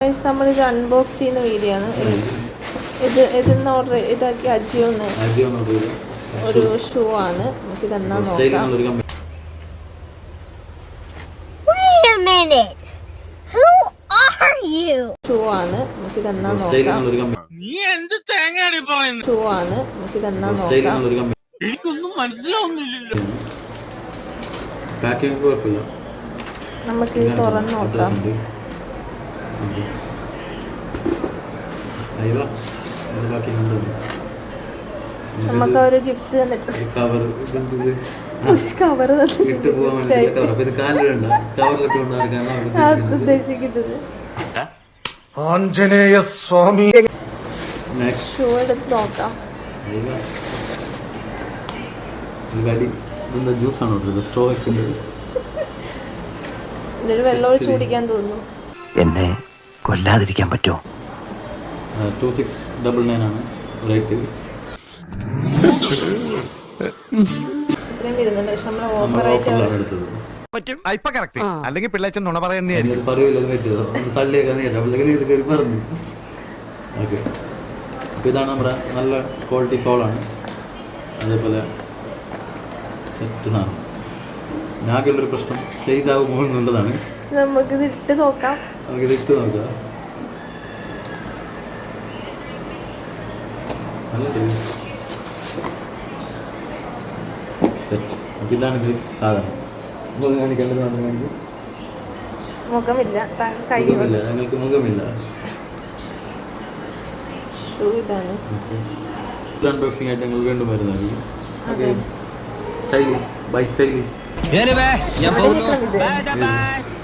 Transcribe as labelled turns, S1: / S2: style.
S1: നമ്മളിത് അൺബോക്സ് ചെയ്യുന്ന വീഡിയോ ആണ്. ഇതിന്ന് ഓർഡർ ഇതാക്കി അജിയോന്ന് ഒരു ഷൂ ആണ്. നമുക്കിത് എന്നാ നോക്കാം. ഷൂ ആണ്. നമുക്കിത് എന്നാ നോക്കാം. ഷൂ ആണ്. നമുക്കിത് എന്നാ നോക്കാം.
S2: എനിക്കൊന്നും മനസ്സിലാവുന്നില്ലല്ലോ.
S1: നമുക്ക് തുറന്ന് നോക്കാം. നമുക്ക് ഒരു ഗിഫ്റ്റ് തന്നിട്ടുണ്ട്. കവർ ഉദ്ദേശിക്കുന്നത്
S3: ആഞ്ജനേയ സ്വാമി.
S1: ഷൂ എടുത്ത് നോക്കാം. ഇതിൽ വെള്ളം ഒഴിച്ച് കുടിക്കാൻ തോന്നുന്നു.
S4: എന്നെ കൊല്ലാതിരിക്കാൻ പറ്റുമോ?
S5: 2699 ആണ് റേറ്റ്.
S1: ഇത്രയും വരുന്നുണ്ട്. പക്ഷെ നമ്മൾ ഓഫറായിട്ട്
S3: അല്ലെങ്കിൽ പിള്ളേച്ചൻ നുണ പറയുന്നേ.
S5: ഓക്കെ, അപ്പോൾ ഇതാണ് നമ്മുടെ നല്ല ക്വാളിറ്റി സോളാണ്. അതേപോലെ സെറ്റ് സാധനം. ഞാക്കുള്ളൊരു പ്രശ്നം സൈസ് ആകുമ്പോൾ എന്നുള്ളതാണ്.
S1: നമുക്കിത് ഇട്ട് നോക്കാം.
S5: നമുക്കിത് ഇട്ട് നോക്കാം. സെറ്റ്. അപ്പോൾ ഇതാണ് ഇത് സാധനം. കാണിക്കേണ്ടത്
S1: മുഖമില്ല,
S5: മുഖമില്ല, ഞങ്ങൾക്ക് മുഖമില്ല.
S1: ഷൂ ഇതാണ്.
S5: അൺബോക്സിംഗ് ആയിട്ട് ഞങ്ങൾ വീണ്ടും വരുന്നതായിരിക്കും. ഓക്കെ, സ്റ്റൈലി ബൈ സ്റ്റൈലി.